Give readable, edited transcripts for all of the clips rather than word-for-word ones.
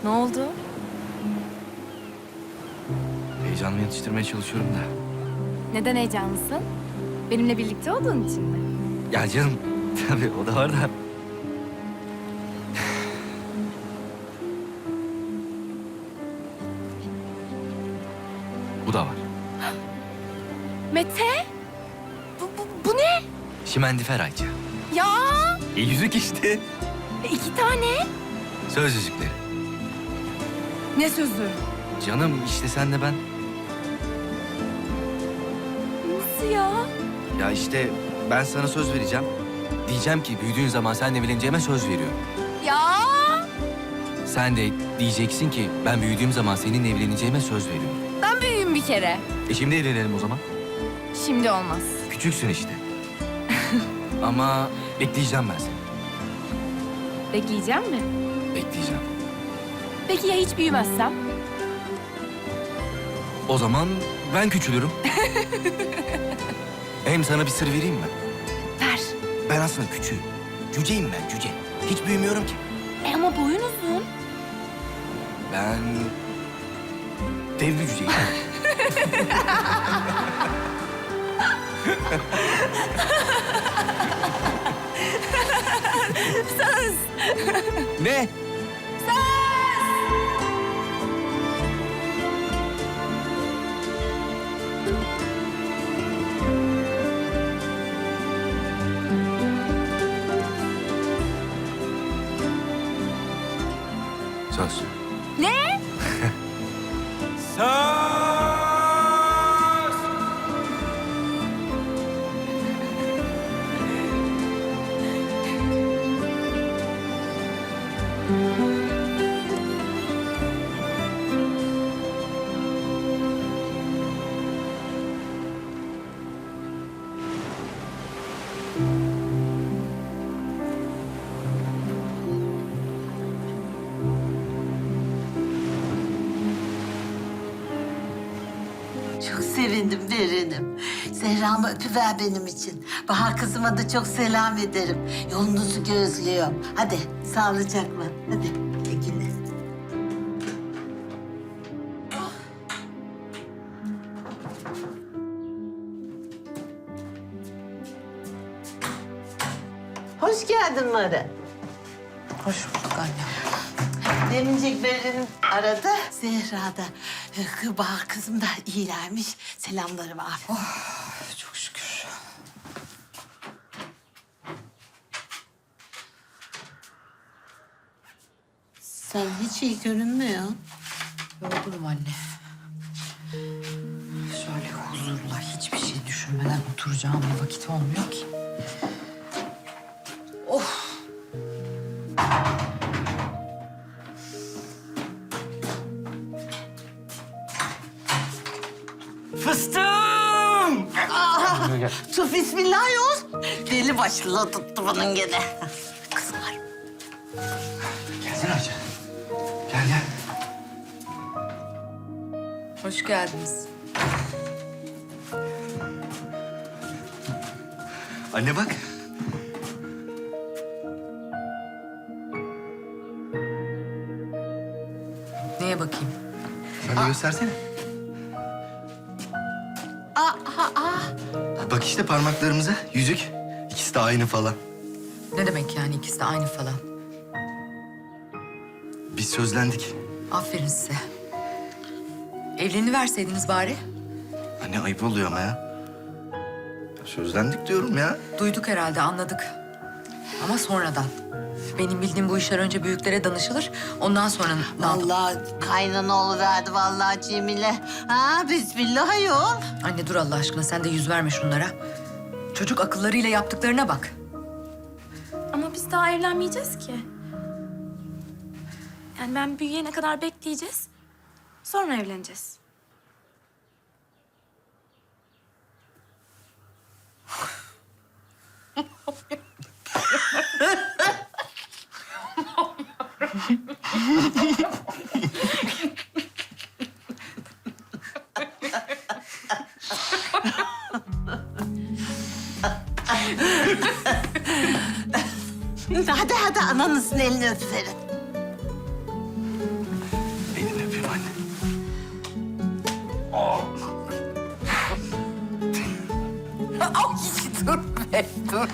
Ne oldu? Heyecanımı yatıştırmaya çalışıyorum da. Neden heyecanlısın? Benimle birlikte olduğun için mi? Ya canım, tabii o da var da. Bu da var. Mete! Bu ne? Şimendifer Ayça. Ya! Yüzük işte. 2 tane. Söz yüzükleri. Ne sözü? Canım işte sen de ben. Nasıl ya? Ya işte ben sana söz vereceğim. Diyeceğim ki büyüdüğün zaman seninle evleneceğime söz veriyorum. Ya! Sen de diyeceksin ki ben büyüdüğüm zaman seninle evleneceğime söz veriyorum. Ben büyüğüm bir kere. Şimdi evlenelim o zaman. Şimdi olmaz. Küçüksün işte. Ama bekleyeceğim ben seni. Bekleyeceğim mi? Bekleyeceğim. Peki ya hiç büyümezsem? O zaman ben küçülürüm. Hem sana bir sır vereyim mi? Ver. Ben aslında küçüğüm. Cüceyim ben, cüce. Hiç büyümüyorum ki. Ama boyun uzun. Ben dev bir cüceyim. Söz! Ne? Söz. Ne? Söz! Çok sevindim Beren'im. Zehra'mı öpüver benim için. Bahar kızıma da çok selam ederim. Yolunuzu gözlüyorum. Hadi sağlıcakla. Hadi güle. Hoş geldin Mara. Hoş bulduk anne. Demincek Beren'im aradı. Zehra da Bahar kızım da iyilermiş. Selamları var. Çok şükür. Sen hiç iyi görünmüyorsun. Yorgunum anne. Şöyle huzurla hiçbir şey düşünmeden oturacağım bir vakit olmuyor ki. Of! Fıstığım! Tuf bismillah yol. Deli başlı tuttu bunun gene. Kızlar. Gelsene Ayça. Gel gel. Hoş geldiniz. Anne bak. Neye bakayım? Sen de göstersene. Bak işte parmaklarımıza yüzük. İkisi de aynı falan. Ne demek yani ikisi de aynı falan? Biz sözlendik. Aferin size. Evleniverseydiniz bari. Anne ayıp oluyor ama ya. Sözlendik diyorum ya. Duyduk herhalde, anladık. Ama sonradan. Benim bildiğim bu işler önce büyüklere danışılır. Ondan sonra ne yapalım? Vallahi kaynana oluverdi vallahi Cemile. Ha bismillah yol. Anne dur Allah aşkına, sen de yüz verme şunlara. Çocuk akıllarıyla yaptıklarına bak. Ama biz daha evlenmeyeceğiz ki. Yani ben büyüyene kadar bekleyeceğiz. Sonra evleneceğiz. Hadi ananızın elini öpüverin. Dur be, dur.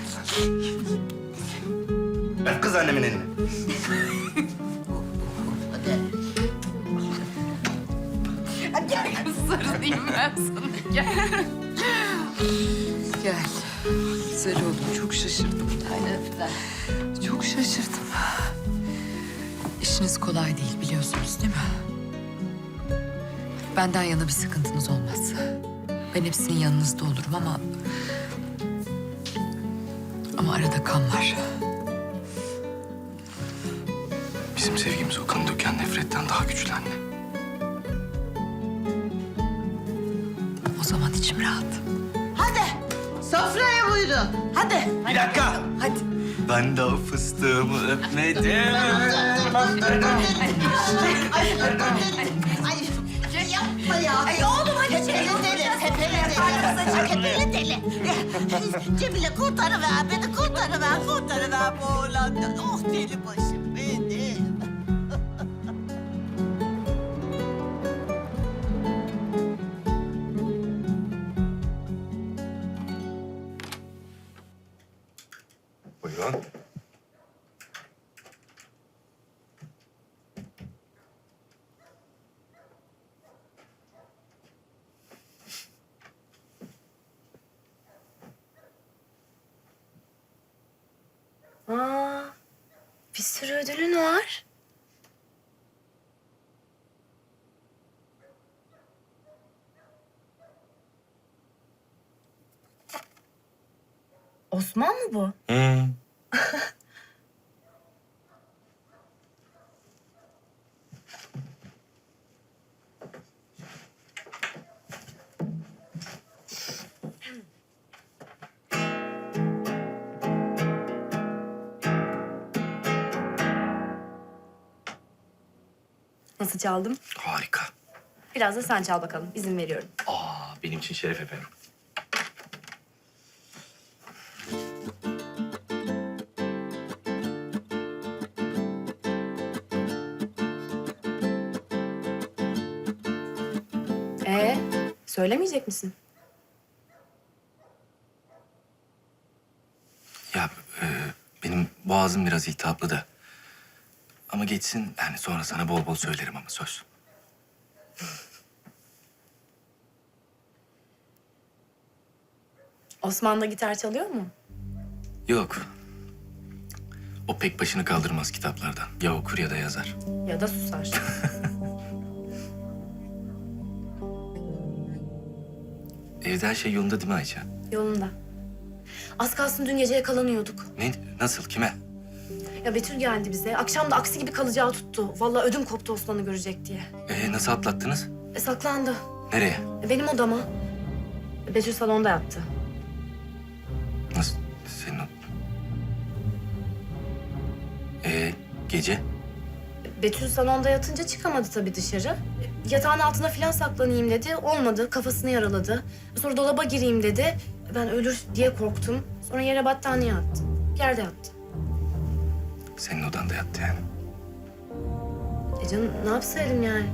Ver kız annemin elini. Gel kız sarılayım ben sana, gel. Gel. Güzel oldum, çok şaşırdım. Aynen öpüver. Çok şaşırdım. İşiniz kolay değil biliyorsunuz değil mi? Benden yana bir sıkıntınız olmaz. Ben hep sizin yanınızda olurum ama... Ama arada kan var. Bizim sevgimiz o kanı döken nefretten daha güçlü anne. O zaman içim rahat. Hadi sofraya buyurun. Hadi. Bir dakika. Hadi. Ben de o fıstığımı öpmedim. Ay yapma ya. Ay oğlum hadi tepeli deli. Tepeli deli. Cemile kurtarıver beni, kurtarıver bu oğlandan. Oh deli başım benim. Buyurun. Aa, bir sürü ödülün var. Osman mı bu? Hı. Nasıl çaldım? Harika. Biraz da sen çal bakalım. İzin veriyorum. Benim için şeref efendim. Söylemeyecek misin? Ya benim boğazım biraz iltihaplı da. Ama geçsin yani sonra sana bol bol söylerim ama söz. Osman da gitar çalıyor mu? Yok. O pek başını kaldırmaz kitaplardan. Ya okur ya da yazar. Ya da susar. Evde her şey yolunda değil mi Ayça? Yolunda. Az kalsın dün gece yakalanıyorduk. Ne? Nasıl? Kime? Ya Betül geldi bize. Akşam da aksi gibi kalacağı tuttu. Vallahi ödüm koptu Osman'ı görecek diye. Nasıl atlattınız? Saklandı. Nereye? Benim odama. Betül salonda yattı. Nasıl? Senin o... Gece? Betül salonda yatınca çıkamadı tabii dışarı. Yatağın altına falan saklanayım dedi. Olmadı. Kafasını yaraladı. Sonra dolaba gireyim dedi. Ben ölür diye korktum. Sonra yere battaniye attı. Yerde yattı. Senin odanda yattı yani. Canım ne yapsaydım yani?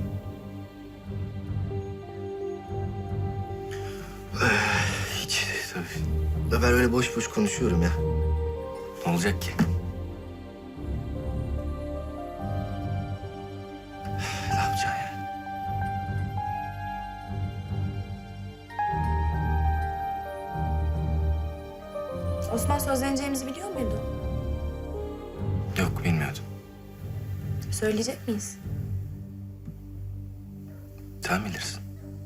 Hiç tabii. Da ben öyle boş boş konuşuyorum ya. Ne olacak ki? Ne yapacaksın ya? Osman sözleneceğimizi biliyor muydu? Yok bilmiyordum. Söyleyecek miyiz? Sen bilirsin.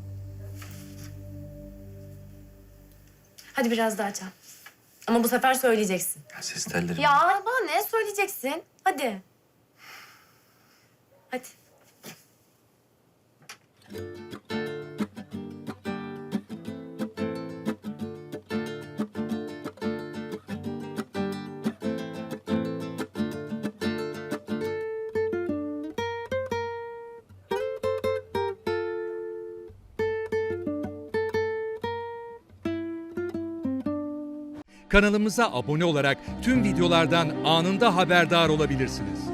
Hadi biraz daha çal. Ama bu sefer söyleyeceksin. Ya ses tellerim. Ya bana ne söyleyeceksin? Hadi. Hadi. Kanalımıza abone olarak tüm videolardan anında haberdar olabilirsiniz.